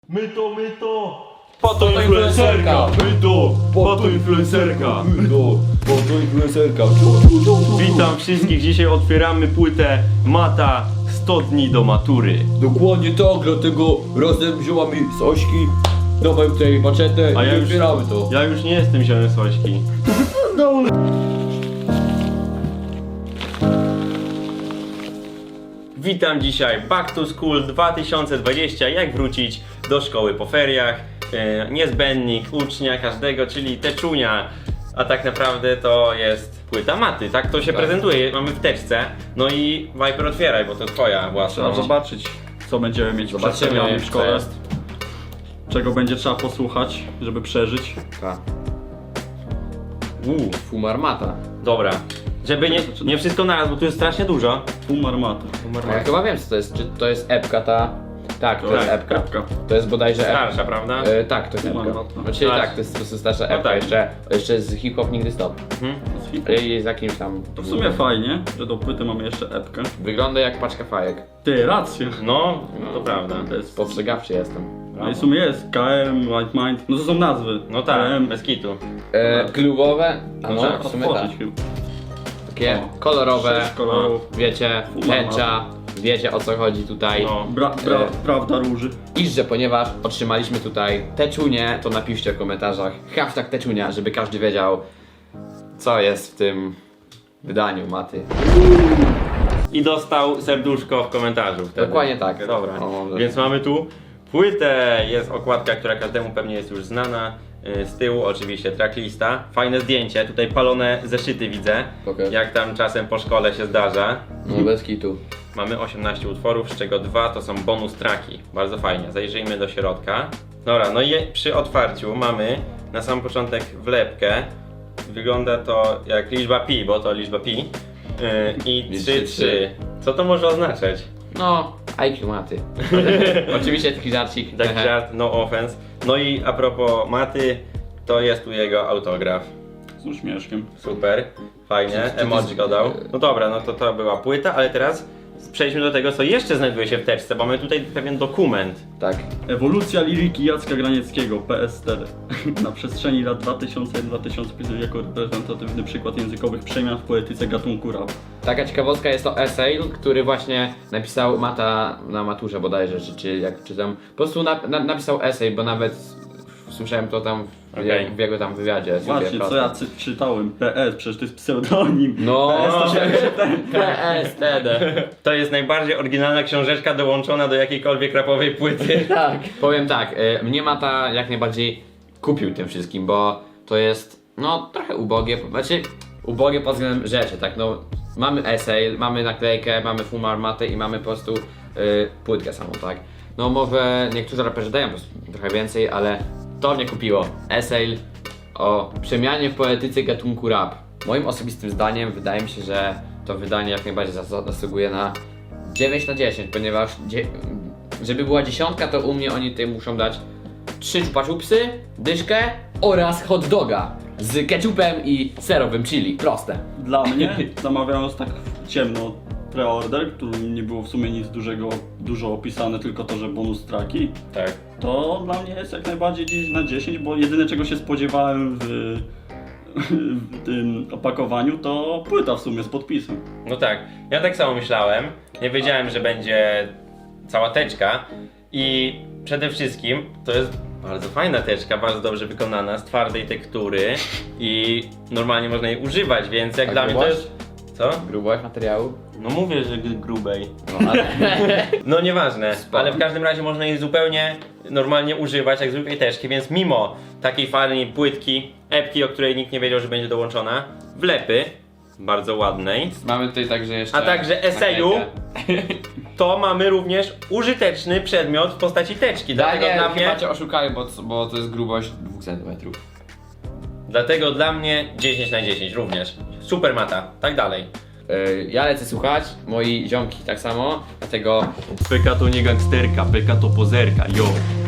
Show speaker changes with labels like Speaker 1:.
Speaker 1: My to! Pato influencerka! Pato influencerka!
Speaker 2: Pato influencerka.
Speaker 1: Witam wszystkich, dzisiaj otwieramy płytę Mata 100 dni do matury.
Speaker 2: Dokładnie tak, dlatego razem wzięła mi Sośki, dawaj tutaj maczetę
Speaker 1: A
Speaker 2: i
Speaker 1: ja już,
Speaker 2: otwieramy to.
Speaker 1: ja już nie jestem ziołem Sośki. Witam dzisiaj Back to School 2020, jak wrócić do szkoły po feriach. Niezbędnik ucznia każdego, czyli teczunia. A tak naprawdę to jest płyta Maty, tak to się prezentuje, mamy w teczce. No i Viper, otwieraj, bo to twoja własna.
Speaker 3: Trzeba zobaczyć, co będziemy mieć
Speaker 2: Zobaczymy,
Speaker 3: przedstawione w
Speaker 2: co
Speaker 3: szkole.
Speaker 2: jest.
Speaker 3: Czego będzie trzeba posłuchać, żeby przeżyć.
Speaker 2: Fumarmata.
Speaker 1: Dobra, żeby nie wszystko naraz, bo tu jest strasznie dużo.
Speaker 3: Pół armaty.
Speaker 2: A ja chyba wiem co to jest, czy to jest epka ta? Tak, to jest epka.
Speaker 3: Epka.
Speaker 2: To jest bodajże epka.
Speaker 1: Starsza, prawda?
Speaker 2: Tak, to jest epka.
Speaker 3: Fumarmata.
Speaker 2: Znaczy
Speaker 1: Tak.
Speaker 2: tak, to jest po prostu starsza
Speaker 1: No
Speaker 2: epka,
Speaker 1: tak.
Speaker 2: jeszcze z hip-hop nigdy stop. I z jakimś tam...
Speaker 3: To w sumie fajnie, że do płyty mamy jeszcze epkę.
Speaker 2: Wygląda jak paczka fajek.
Speaker 3: Ty, rację.
Speaker 1: No, to prawda.
Speaker 3: To jest...
Speaker 2: Spostrzegawczy jestem.
Speaker 3: No i w sumie jest KM, White Mind, no to są nazwy.
Speaker 1: No tak,
Speaker 3: KM,
Speaker 1: bez kitu.
Speaker 2: Klubowe? A
Speaker 1: No
Speaker 2: no,
Speaker 1: tak,
Speaker 2: w sumie tak.
Speaker 3: otworzyć chyba.
Speaker 2: Takie
Speaker 3: O,
Speaker 2: kolorowe,
Speaker 3: 6 kolorów.
Speaker 2: wiecie, tęcza, wiecie o co chodzi tutaj.
Speaker 1: No.
Speaker 3: Prawda róży.
Speaker 2: I że ponieważ otrzymaliśmy tutaj teczunię, to napiszcie w komentarzach hashtag teczunia, żeby każdy wiedział co jest w tym wydaniu Maty.
Speaker 1: I dostał serduszko w komentarzu wtedy.
Speaker 2: Dokładnie tak.
Speaker 1: Dobra,
Speaker 2: O, może.
Speaker 1: więc mamy tu płytę, jest okładka, która każdemu pewnie jest już znana. Z tyłu oczywiście tracklista. Fajne zdjęcie, tutaj palone zeszyty widzę.
Speaker 2: Pokaż.
Speaker 1: Jak tam czasem po szkole się zdarza.
Speaker 2: No bez kitu.
Speaker 1: Mamy 18 utworów, z czego 2 to są bonus tracki. Bardzo fajnie, zajrzyjmy do środka. Dobra, no i przy otwarciu mamy na sam początek wlepkę. Wygląda to jak liczba pi, bo to liczba pi. I 3-3. Co to może oznaczać?
Speaker 2: No, IQ Maty. Oczywiście taki żarcik.
Speaker 1: Tak żart, no offense. No i a propos Maty, to jest tu jego autograf.
Speaker 3: Z uśmieszkiem.
Speaker 1: Super, fajnie, emoji go dał. No dobra, no to była płyta, ale teraz przejdźmy do tego, co jeszcze znajduje się w teczce, bo mamy tutaj pewien dokument.
Speaker 2: Tak.
Speaker 3: Ewolucja liryki Jacka Granieckiego, PS4. Na przestrzeni lat 2000-2005 jako reprezentatywny przykład językowych przemian w poetyce gatunku rap.
Speaker 2: Taka ciekawostka jest to essay, który właśnie napisał Mata na maturze bodajże, czy jak czytam. Po prostu napisał essay, bo nawet słyszałem to tam
Speaker 1: Okej.
Speaker 2: w jego tam wywiadzie.
Speaker 3: Właśnie, co ja czytałem? PS, przecież to jest pseudonim.
Speaker 2: No,
Speaker 3: PS to się...
Speaker 2: PS wtedy.
Speaker 1: To jest najbardziej oryginalna książeczka dołączona do jakiejkolwiek rapowej płyty.
Speaker 2: Tak. Powiem tak, mnie Mata jak najbardziej kupił tym wszystkim, bo to jest no trochę ubogie, znaczy ubogie pod względem rzeczy, tak no. Mamy essay, mamy naklejkę, mamy fumarmatę i mamy po prostu płytkę samą, tak. No może niektórzy raperzy dają po prostu trochę więcej, ale to mnie kupiło. Essay o przemianie w poetyce gatunku rap. Moim osobistym zdaniem wydaje mi się, że to wydanie jak najbardziej zasługuje na 9 na 10, ponieważ żeby była dziesiątka, to u mnie oni tutaj muszą dać 3 chupa-chupsy, dyszkę oraz hot doga z ketchupem i serowym chili. Proste.
Speaker 3: Dla mnie, zamawiając tak ciemno preorder, który nie było w sumie nic dużo opisane, tylko to, że bonus tracki,
Speaker 1: Tak.
Speaker 3: to dla mnie jest jak najbardziej 10 na 10, bo jedyne czego się spodziewałem w tym opakowaniu to płyta w sumie z podpisem.
Speaker 1: No tak, ja tak samo myślałem. Nie wiedziałem, że będzie cała teczka. I przede wszystkim to jest bardzo fajna teczka, bardzo dobrze wykonana, z twardej tektury. I normalnie można jej używać, więc jak
Speaker 2: A
Speaker 1: dla mnie to
Speaker 2: grubość?
Speaker 1: jest... Co?
Speaker 2: Grubość materiału?
Speaker 1: No mówię, że grubej.
Speaker 2: No ale...
Speaker 1: No nieważne,
Speaker 2: Spoko.
Speaker 1: ale w każdym razie można jej zupełnie normalnie używać, jak zwykłej teczki, więc mimo takiej fajnej płytki, epki, o której nikt nie wiedział, że będzie dołączona, wlepy, bardzo ładnej,
Speaker 2: Mamy tutaj także jeszcze...
Speaker 1: a także eseju,
Speaker 2: naklejkę.
Speaker 1: to mamy również użyteczny przedmiot w postaci teczki. Dlatego
Speaker 2: Daniel,
Speaker 1: dla mnie,
Speaker 2: chyba cię oszukają, bo to jest grubość 2 cm.
Speaker 1: dlatego dla mnie 10 na 10 również. Super Mata, tak dalej.
Speaker 2: Ja lecę słuchać, moi ziomki tak samo, dlatego
Speaker 1: PK to nie gangsterka, PK to pozerka, yo.